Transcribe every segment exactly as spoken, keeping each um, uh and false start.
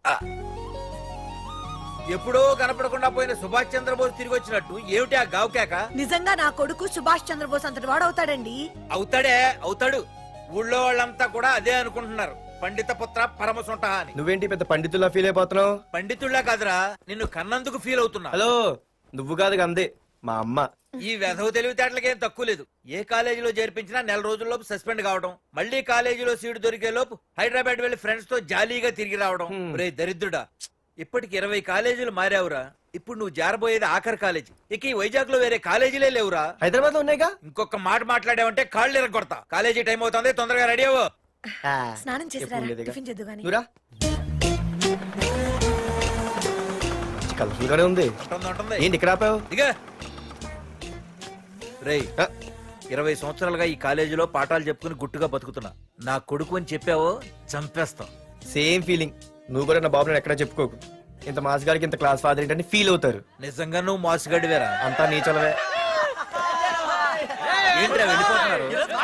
ఎప్పుడో కనపడకుండా పోయిన సుభాష్ చంద్రబోస్ తిరిగి వచ్చినట్టు ఏమిటి ఆ గావుకేక? నిజంగా నా కొడుకు సుభాష్ చంద్రబోస్ అంతటి వాడు అవుతాడండి. అవుతాడే అవుతాడు. ఊళ్ళో వాళ్ళంతా కూడా అదే అనుకుంటున్నారు, పండిత పుత్ర పరమసుంట అని. నువ్వేంటి పెద్ద పండితుల్లా ఫీల్ అయిపోతున్నావు? పండితుళ్ళ కాదురా, నిన్ను కన్నందుకు ఫీల్ అవుతున్నా. హలో, నువ్వు కాదు అందే మా అమ్మ. ఈ వెధవ తెలివితేటలకేం తక్కువ లేదు. ఏ కాలేజీలో చేర్పించినా నెల రోజుల్లోపు సస్పెండ్ కావడం, మళ్ళీ కాలేజీలో సీటు దొరికే లోపు హైదరాబాద్ వెళ్లి ఫ్రెండ్స్ తో జాలీగా తిరిగి రావడం. రే దరిద్రుడా, ఇప్పటికి ఇరవై కాలేజీలు మారావురా. ఇప్పుడు నువ్వు జారబోయేది ఆఖరి కాలేజీ. ఇక ఈ వైజాగ్ లో వేరే కాలేజీలే లేవురా. హైదరాబాద్ లో ఉన్నాయిగా. ఇంకొక మాట మాట్లాడావంటే కాళ్ళు ఎరగొడతా. కాలేజీ టైం అవుతుంది, తొందరగా రెడీ అవ్వు. స్నానం చేసి టిఫిన్ చేద్దు గాని. కలర్ఫుల్ గానే ఉంది. ఏంటి ఇక్కడ ఆపావు? ఇక రేయ్, ఇరవై సంవత్సరాలుగా ఈ కాలేజీలో పాఠాలు చెప్పుకుని గుట్టుగా బతుకుతున్నా. నా కొడుకు అని చెప్పావో చంపేస్తాం. Same feeling. నువ్వు కూడా నా బాబు ఎక్కడా చెప్పుకోకు. ఇంత మాస్ గారికి ఇంత క్లాస్ ఫాదర్ ఏంటని ఫీల్ అవుతారు. నిజంగా నువ్వు మాసుగడివేరా? అంతా నీచలవే. ఏంట్రా వెళ్ళిపోతున్నారు?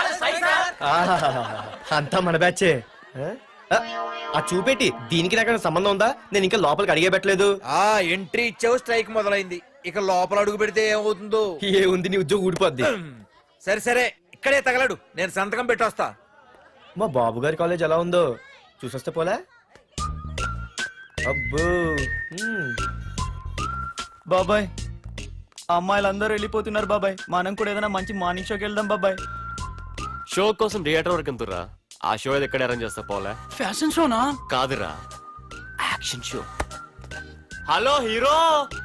అంతా మన బ్యాచే. ఆ చూపెట్టి దీనికి నాకు సంబంధం ఉందా? నేను ఇంకా లోపలికి అడిగే పెట్టలేదు. ఆ ఎంట్రీ ఇచ్చావు, స్ట్రైక్ మొదలైంది. ఇక లోపల అడుగు పెడితే ఏమవుతుందో. ఏ ఉంది, నీ ఉద్యోగం ఊడిపోద్ది. సరే సరే, ఇక్కడే తగలడు, నేను సంతకం పెట్టొస్తా. మా బాబు గారి కాలేజ్ ఎలా ఉందో చూసొస్తే పోలే. అబ్బో బాబాయ్, అమ్మాయిలందరూ వెళ్ళిపోతున్నారు బాబాయ్. మనం కూడా ఏదైనా మంచి మార్నింగ్ షోకి వెళ్దాం బాబాయ్. షో కోసం థియేటర్ వరకు ఎంతురా? ఆ షో ఏది ఎక్కడ అరేంజ్ చేస్తా పోలే? ఫ్యాషన్ షోనా? కాదురా, యాక్షన్ షో. హలో హీరో,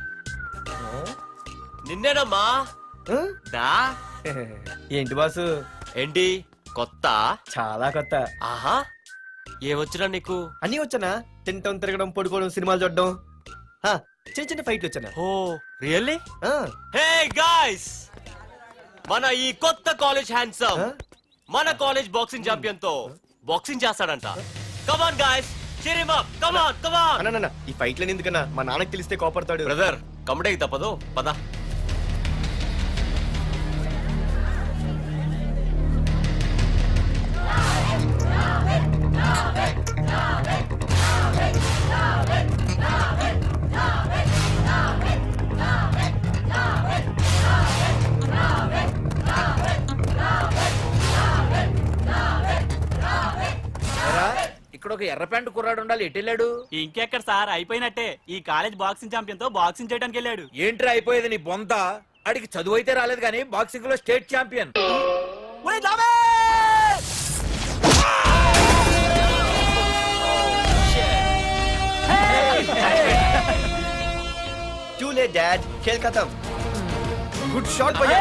నిన్నేనమ్మా. దా. ఏంటి బాసు? ఏంటి కొత్త? చాలా కొత్త. ఆహా, ఏమొచ్చినా నీకు? అన్నీ వచ్చానా? తింటం, తిరగడం, పడుకోవడం, సినిమాలు చూడడం, చిన్న చిన్న ఫైట్లు వచ్చానా? ఓ రియల్లీ? హే గాయ్స్, మన ఈ కొత్త కాలేజ్ హ్యాండ్సమ్ మన కాలేజ్ బాక్సింగ్ ఛాంపియన్ తో బాక్సింగ్ చేస్తాడంట. Come on guys, cheer him up. Come on, come on. అన్న, ఈ ఫైట్లని ఎందుకన్నా? మా నాన్నకి తెలిస్తే కోపడతాడు. బ్రదర్, కమడేకి తప్పదు, పద. ఇక్కడ ఒక ఎర్ర ప్యాంటు కుర్రాడు ఉండాలి, ఎటు వెళ్ళాడు? ఇంకెక్కడ సార్, అయిపోయినట్టే. ఈ కాలేజ్ బాక్సింగ్ ఛాంపియన్ తో బాక్సింగ్ చేయడానికి వెళ్ళాడు. ఏంట్రా అయిపోయేది నీ బొంత? అడిగి చదువు అయితే రాలేదు కానీ బాక్సింగ్ లో state champion. Too late, Dad. खेल खत्म. Good shot, भैया.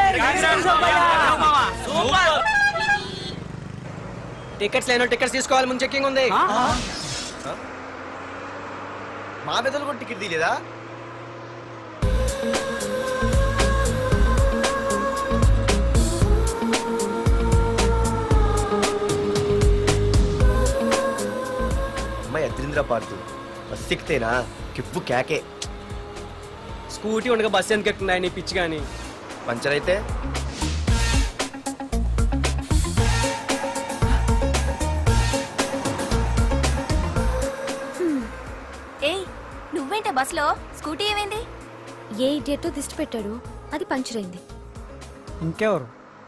టికెట్స్ లేనో టికెట్స్ తీసుకోవాలి, ముందు చెక్కింగ్ ఉంది. మా పెద్దలు కూడా టికెట్ తీయలేదా? అమ్మాయి అద్రింద్ర పార్తు బస్ ఎక్కితేనా కిప్పు కేకే. స్కూటీ ఉండగా బస్సు ఎందుకు ఎక్కుతున్నాయి నీ పిచ్చి గాని? పంచర్ అయితే నువ్వేంటే బస్ లో? స్కూటీ ఏమైంది? ఏ ఇడియట్ దిష్టి పెట్టాడు, అది పంచర్ అయింది. ఇంకెవరు?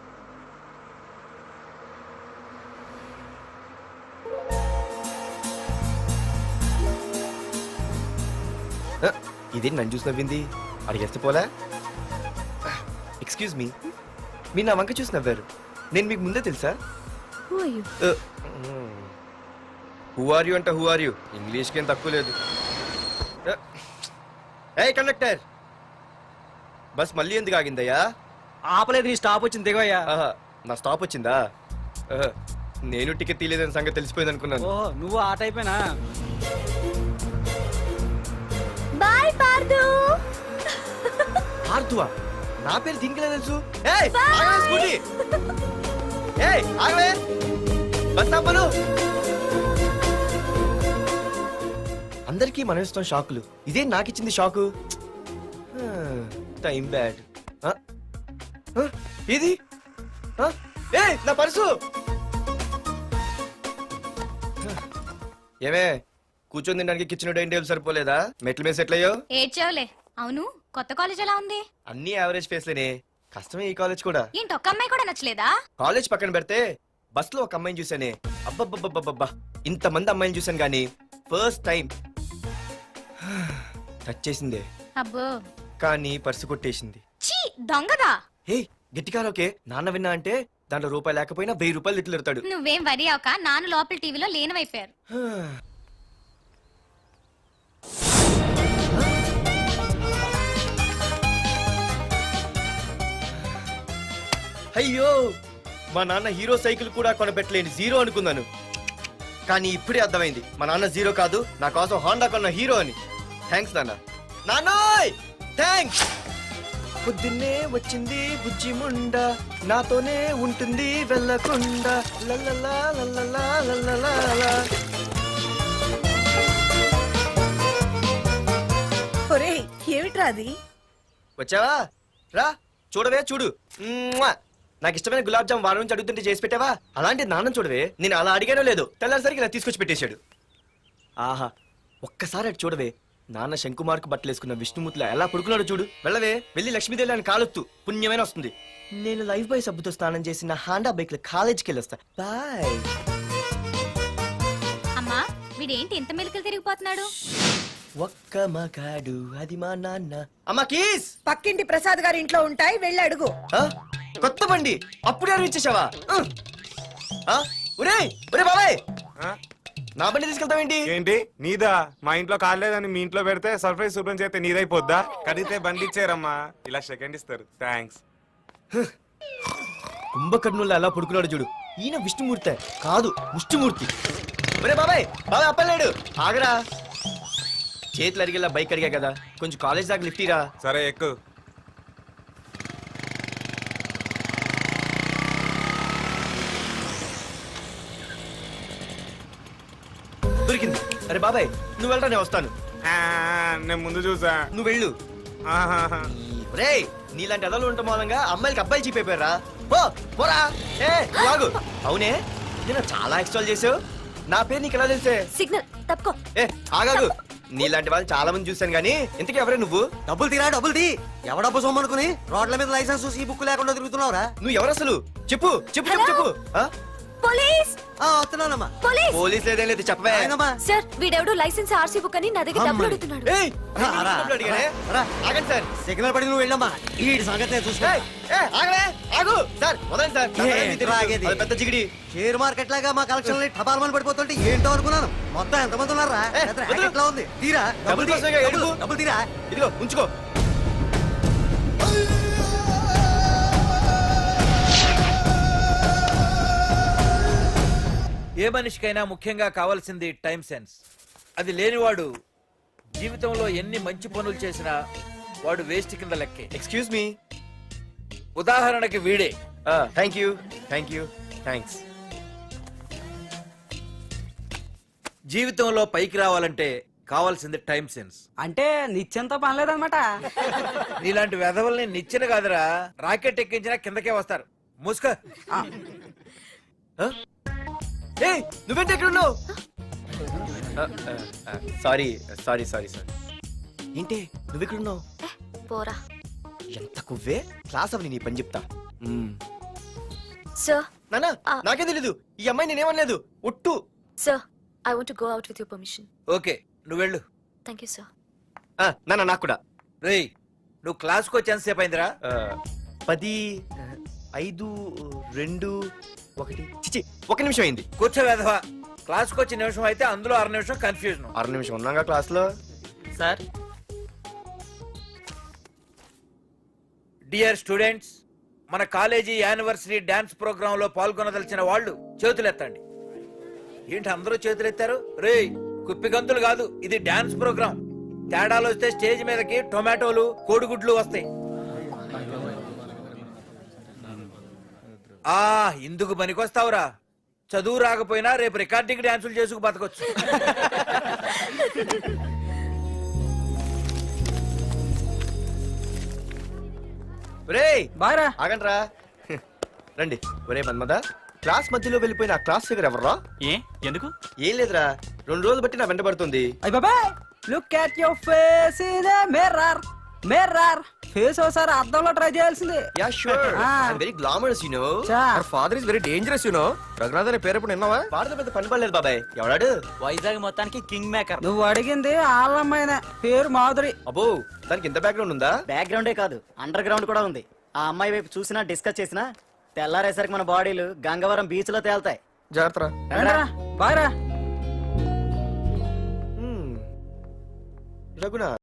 ఇదేంటి నన్ను చూసి నవ్వింది? అడిగేస్తే పోలే. ఎక్స్క్యూజ్ మీ, మీరు నా వంక చూసి నవ్వారు. నేను మీకు ముందే తెలుసా? హూ ఆర్ యూ అంటే హూ ఆర్ యూ, ఇంగ్లీష్కి ఏం తక్కువ లేదు. ఏ కండక్టర్, బస్ మళ్ళీ ఎందుకు ఆగిందయ్యా? ఆపలేదు, నీ స్టాప్ వచ్చింది, దిగయ్యా. నా స్టాప్ వచ్చిందా? నేను టికెట్ తీయలేదని సంగతి తెలిసిపోయింది అనుకున్నాను. ఓహో, నువ్వు ఆ టైపేనా? బాయ్ పార్దు. పార్దువా? నా పేరు దీనికిలా తెలుసు? ఏయ్ ఆగవే స్కూటీ. ఏయ్ ఆగవే, బస్ ఆపను. అందరికీ మనం ఇస్తాం షాకులు, ఇదే నాకు ఇచ్చింది షాకు. Time bad. ఇది ఏ నా పర్సు. ఏమే కూర్చొని తినడానికి కిచెన్ డైనింగ్ టేబుల్ సరిపోలేదా మెట్ల మీద సెట్ అయ్యో ఏడ్చావులే. అవును, కొత్త కాలేజ్ ఎలా ఉంది? అన్ని యావరేజ్ ఫేస్లేనే. కష్టమే ఈ కాలేజ్ కూడా. ఏంటి, ఒక్క అమ్మాయి కూడా నచ్చలేదా? కాలేజ్ పక్కన పెడితే బస్ లో ఒక అమ్మాయిని చూసానే, అబ్బబ్బబ్బబ్బబ్బా ఇంత మంది అమ్మాయిని చూసాను గానీ ఫస్ట్ టైం టచ్ చేసిందే, అబ్బో, కానీ పర్సు కొట్టేసింది. చీ దొంగదా. హే గట్టిగా ఓకే, నాన్న విన్నా అంటే దాంట్లో రూపాయి లేకపోయినా వెయ్యి రూపాయలు తిట్లు ఎడతాడు. నువ్వేం వరి అవక, నాన్న లోపల టీవీలో లేనవైపోయారు. అయ్యో మా నాన్న హీరో సైకిల్ కూడా కొనబెట్టలేని జీరో అనుకున్నాను, కానీ ఇప్పుడే అర్థమైంది మా నాన్న జీరో కాదు, నా కోసం హోండా కొన్న హీరో అని. థ్యాంక్స్ నాన్న. నాన్నోయ్ థ్యాంక్స్. పొద్దున్నే వచ్చింది బుజ్జి ముండ, నాతోనే ఉంటుంది వెళ్ళకుండా. లల్లలా లల్లలా లల్లలా. ఒరేయ్ ఏమిట్రా అది? వచ్చావా? రా చూడవే చూడు. మ్మ్వా! నాకు ఇష్టమైన గులాబ్ జామ్ వారం నుంచి అడుగుతుంటే చేసి పెట్టావా? అలాంటి నాన్న చూడవే, నేను అలా అడిగానో లేదు తెల్లారిసరికి ఇలా తీసుకొచ్చి పెట్టేశాడు. ఆహా ఒక్కసారి అటు చూడవే, నాన్న శంకుమార్కు బట్టలేసుకున్న విష్ణుమూర్తిలా ఎలా పడుకున్నాడు చూడు. వెళ్ళవే, వెళ్ళి లక్ష్మీదేవి అని కాలొత్తు, పుణ్యమైన వస్తుంది. నేను లైఫ్ బాయ్ సబ్బుతో స్నానం చేసిన హాండా బైక్ లో కాలేజీకి వెళ్ళొస్తా. బాయ్. అమ్మా, వీడేంటి ఇంత మెలికలు తిరిగిపోతున్నాడు? ఒక్క మగాడు అది మా నాన్న. అమ్మా కీస్. పక్కింటి ప్రసాద్ గారి ఇంట్లో ఉంటాయి, వెళ్ళి అడుగు. ఆ? కొత్త బండి అప్పుడే అరివిచ్చేసావా? ఒరే ఒరే బాబాయ్, నా బండి తీసుకెళ్తావేంటి? ఏంటి నీదా? మా ఇంట్లో కాలేదని మీ ఇంట్లో పెడితే సర్ప్రైజ్ శుభ్రం చేస్తే నీదైపోద్దా? కడిగితే బండి ఇచ్చారమ్మా, ఇలా సెకండ్ ఇస్తారు. థ్యాంక్స్. కుంభకర్ణుల్లో ఎలా పడుకున్నాడు చూడు. ఈయన విష్ణుమూర్తి కాదు ముష్టిమూర్తి. ఒరే బాబాయ్ బాబాయ్ అప్పలేడు, ఆగరా. చేతులు అడిగేలా బైక్ అడిగా కదా, కొంచెం కాలేజ్ దాకా లిఫ్ట్ ఇరా. సరే ఎక్కు. దొరికింది. అరే బాబాయ్ నువ్వు వెళ్ళరా, నేను వస్తాను. ఆ, నేను ముందు చూసా. నువ్వు వెళ్ళు. ఆహాహా. రే నీలాంటి అదలు ఉండటం మూలంగా అమ్మాయిలకి అబ్బాయిలు చీపైపోయారా? పో పోరా. ఏ నువ్వు ఆగు. అవునే నేను చాలా ఎక్స్ట్రాల్ చేసావు, నా పేరు నీకు ఎలా తెలిసే? సిగ్నల్ తప్పుకో. ఏ ఆగాగు. నీలాంటి వాళ్ళు చాలా మంది చూశాను గానీ ఇంతకీ ఎవరే నువ్వు? డబ్బులు తీరా డబ్బులు తీ. ఎవడ డబ్బు సొమ్మనుకుని రోడ్ల మీద లైసెన్స్ చూసి ఈ బుక్ లేకుండా తిరుగుతున్నావురా? నువ్వు ఎవరు అసలు? చెప్పు చెప్పు చెప్పు చెప్పు. ఆ? పోలీస్ ఆ, వస్తున్నానమ్మా. పోలీస్ పోలీస్ లేదేం లేదు చెప్పవే. ఆయనమ్మా. సార్, వీడెవడో లైసెన్స్ ఆర్సీ బుక్ అని నా దగ్గర డబ్బులు అడుగుతున్నాడు. ఏయ్, రా, నేను రా, డబ్బులు అడిగానే? రా. ఆగండి సార్. సిగ్నల్ పడి నువ్వు వెళ్ళమ్మా, ఈ సంగతి నేను చూసుకో. ఏయ్, ఏయ్, ఆగవే, ఆగు. సార్ వదండి సార్. నా ఏ, పని మీకు తెలుసు. ఆగేది. అది పెద్ద జిగిడి. షేర్ మార్కెట్ లాగా మా కలెక్షన్ టపాల్మని పడిపోతుంటే ఏంటో అనుకున్నాను. మొత్తం ఎంతమంది ఉన్నారా? ఏ, పెద్ద వదిలు. racket లా ఉంది. తీరా డబ్బులు డబ్బులు తీ. కోసమేగా డబ్బులు, ఏడుపు. డబ్బులు తీరా. ఇదిగో ఉంచుకో. ఏ మనిషికైనా ముఖ్యంగా కావాల్సింది టైం సెన్స్. అది లేనివాడు జీవితంలో ఎన్ని మంచి పనులు చేసినా వాడు వేస్ట్ కింద లెక్కే. Excuse me. ఉదాహరణకి వీడే. Thank you thank you thanks. జీవితంలో పైకి రావాలంటే కావాల్సింది టైం సెన్స్. అంటే నిత్యంతో పనిలేదన్నమాట. నీలాంటి వెధవల్ని నిచ్చెన కాదురా, రాకెట్ ఎక్కించినా కిందకే వస్తారు. మూసుక. ఏయ్ నువ్వేంటి ఎక్కడ ఉన్నావు? Sorry sorry sorry sorry. ఏంటి నువ్వు ఇక్కడ ఉన్నావు? ఏ, పోరా. ఎంత కువ్వే. క్లాస్ అవని నీ పని చెప్తా. సార్, నానా ఆ. నాకే తెలీదు, ఈ అమ్మాయి నేనేమనలేదు ఒట్టు. Sir, I want to go out with your permission. Okay నువ్వు వెళ్ళు. Thank you sir. ఆ, నానా నాకు కూడా. రేయ్ నువ్వు క్లాస్కి వచ్చి ఎంతసేపు అయిందిరా? ఆ, పది ఐదు రెండు ఒకటి చిచి ఒక నిమిషం అయింది. కూర్చో వెధవా. క్లాస్కి వచ్చి నిమిషం అయితే అందులో అర నిమిషం కన్ఫ్యూజన్. ఆరు నిమిషం ఉన్నాగా క్లాస్ లో. సార్, డియర్ స్టూడెంట్స్, మన కాలేజీ యానివర్సరీ డాన్స్ ప్రోగ్రామ్ లో పాల్గొనదలిచిన వాళ్ళు చేతులెత్తండి. ఏంటి అందరూ చేతులెత్తారు? రేయ్ కుప్పి గంతులు కాదు, ఇది డాన్స్ ప్రోగ్రామ్. తేడాలు వస్తే స్టేజ్ మీదకి టొమాటోలు కోడిగుడ్లు వస్తాయి. ఆ ఇందుకు పనికొస్తావురా. చదువు రాకపోయినా రేపు రికార్డింగ్ డాన్సులు చేసుకు బతకొచ్చు. రేయ్ బాయ్రా. ఆగండ్రా. రండి. ఒరే మన్మద, క్లాస్ మధ్యలో వెళ్ళిపోయిన ఆ క్లాస్ ఫిగర్ ఎవర్రా? ఏ ఎందుకు? ఏం లేదురా, రెండు రోజులు బట్టి నా వెంట పడుతుంది. అయ్య బాబాయ్ look at your face in the mirror mirror face ఒకసారి అద్దంలో ట్రై చేయాల్సింది. Yeah sure I very glamorous you know. Father is very dangerous you know. Raghunath అనే పేరు ఎప్పుడు విన్నావా? పాడత పెద్ద పని పడలేదు బాబాయ్. ఎవడాడు? వైజాగ్ మొత్తానికి కింగ్ మేకర్. నువ్వు అడిగింది ఆళ్ళమ్మాయిన పేరు మాధురి. అబ్బో దానికి ఇంత బ్యాక్గ్రౌండ్ ఉందా? బ్యాక్గ్రౌండే కాదు అండర్ గ్రౌండ్ కూడా ఉంది. ఆ అమ్మాయి వైపు చూసినా డిస్కస్ చేసినా తెల్లారేసరికి మన బాడీలు గంగవరం బీచ్ లో తేల్తాయి. జాగ్రత్త. బాయ్ రా. రఘునాథ్